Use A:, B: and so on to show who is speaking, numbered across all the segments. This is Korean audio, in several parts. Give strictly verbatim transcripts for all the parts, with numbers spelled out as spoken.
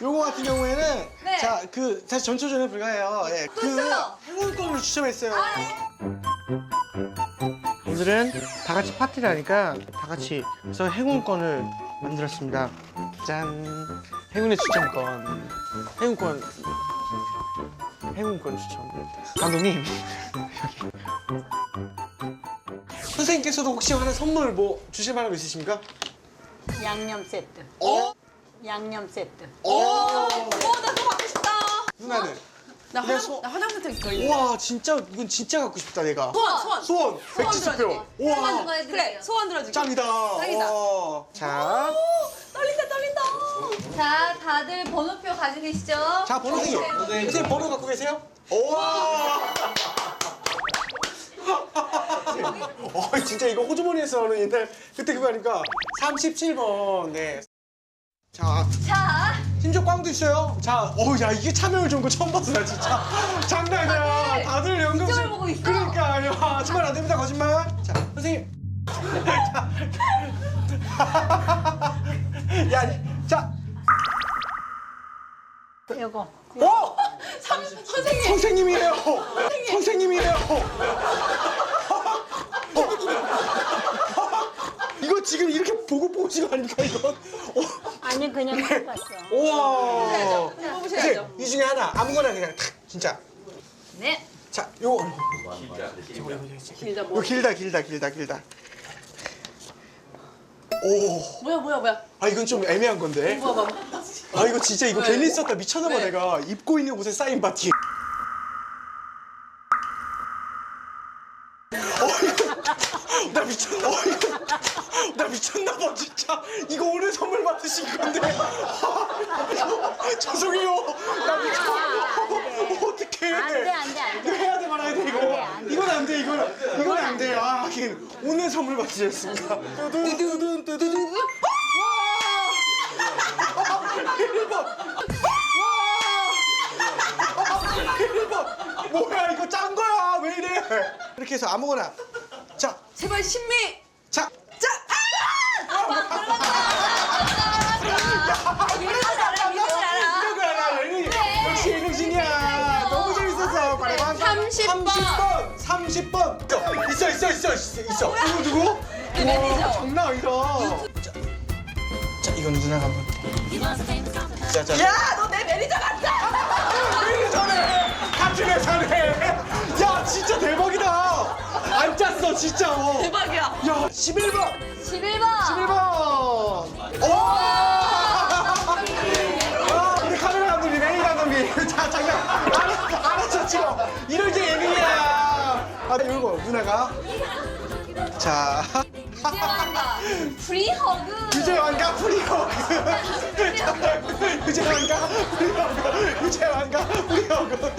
A: 요거 같은 경우에는
B: 네.
A: 자, 그 사실 전초전에 불과해요. 예.
B: 또
A: 그
B: 있어요.
A: 행운권을 추첨했어요.
B: 아, 네.
A: 오늘은 다 같이 파티를 하니까 다 같이 그래서 행운권을 만들었습니다. 짠. 행운의 추첨권. 행운권. 행운권 추첨. 감독님. 선생님께서도 혹시 하나 선물 뭐 주실 만한 거 있으십니까?
C: 양념 세트.
A: 어?
C: 양념 세트.
A: 어?
B: 어, 나 그거 받고 싶다.
A: 누나는?
B: 나
A: 그냥
B: 화장,
A: 소-
B: 나 화장품 더 있어.
A: 우와, 진짜 이건 진짜 갖고 싶다 내가.
B: 소원, 소원.
A: 소원. 백지수표.
B: 들어줄게.
A: 우와.
B: 그래, 소원 들어줄게.
A: 짱이다.
B: 짱이다.
A: 와. 자.
B: 떨린다, 떨린다.
D: 자, 다들 번호표 가지고 계시죠?
A: 자, 번호 선생님. 선생님 번호 갖고 계세요? 우와. 어, 진짜 이거 호주머니에서 하는 옛날 그때 그거 아닙니까? 삼십칠 번. 네. 자,
D: 자,
A: 심지어 꽝도 있어요. 자, 어우, 야, 이게 참여율 좋은 거 처음 봤어, 나 진짜. 장난 아니야. 다들 연금.
D: 이쪽을 보고 있어.
A: 그러니까, 야, 거짓말 안 됩니다, 거짓말. 자, 선생님. 야, 자.
C: 요거.
A: 어?
B: 선, 선생님.
A: 선생님이에요. 선생님이에요. 이거 지금 이렇게 보고 보신 거 아닙니까, 이건? 어.
C: 아니 그냥 해봤어.
A: 우와.
B: 뽑으셔야죠.
A: 선생님, 이 중에 하나 아무거나 그냥 탁 진짜.
D: 네.
A: 자, 요거.
B: 길다,
A: 이거
B: 뭐.
A: 길다, 길다, 길다, 길다. 오.
B: 뭐야, 뭐야, 뭐야.
A: 아, 이건 좀 애매한 건데.
B: 뭐야, 뭐야.
A: 아, 이거 진짜 이거
B: 왜?
A: 괜히 썼다. 미쳤나봐,
B: 왜?
A: 내가. 입고 있는 옷에 사인 바티. 어, 이거. 나 미쳤, 어, 이거. 나 미쳤나봐, 진짜. 이거 오늘 선물 받으신 건데. 죄송해요. 나 미쳤어. 어떡해.
C: 안 돼, 안 돼, 안
A: 이거
C: 돼.
A: 해야 돼 말아야 돼, 이거.
C: 안 돼, 안 돼.
A: 이건 안 돼, 이건. 이건 안 돼. 아, 하긴. 오늘 선물 받으셨습니다. 뚜둔, 뚜둔, 뚜둔. 일 번. 일 번. 뭐야, 이거 짠 거야. 왜 이래. 이렇게 해서 아무거나. 자,
B: 제발, 신미.
A: 자.
B: 자, 아! 이거 알아, 이거 알아.
A: 이런 거 알아. 예능. 역시 예능신이야. 너무 재밌었어. 바라봐.
B: 삼십 번.
A: 삼십 번. 삼십 번. 있어, 있어, 있어, 있어. 있어. 누구, 누구?
B: 내 매니저.
A: 와, 장난 아니다. 자, 자, 이건 누나가 한번. 자, 자.
B: 야, 너 내 매니저 같다.
A: 회사네. 같은 회사네. 야, 진짜 대박이다. 안 짰어, 진짜. 어.
B: 대박이야.
A: 야, 십일 번.
D: 십일 번.
A: 십일 번. 오! 아, 우리 카메라 감독님, 메인 감독님. 자, 잠깐. 알아, 알았어, 찍어. 이럴 때 예능이야. 아, 이거 누나가. 자.
D: 유재환과 프리허그.
A: 유재환과 프리허그. 유재환과 프리허그. 유재환과 프리허그.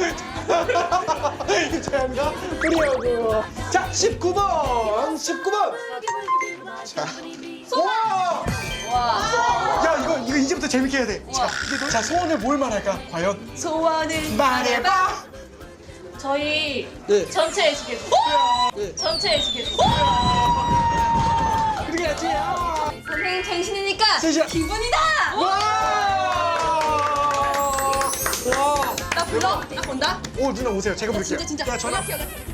A: 유재환과 프리허그. 자, 십구 번. 십구 번. 자. 와! 야, 이거, 이거 이제부터 재밌게 해야 돼. 자, 자, 소원을 뭘 말할까? 과연?
B: 소원을
A: 말해봐!
E: 저희
A: 네.
E: 전체 에티켓
A: 네.
E: 전체 에티켓
A: 그래야지.
D: 선생님 생신이니까
A: 진짜.
D: 기분이다.
A: 와! 와!
B: 나 불러. 나 본다.
A: 오, 누나 오세요. 제가 부를게요.
B: 진짜, 진짜.
A: 야, 전화.
B: 연락해, 연락해.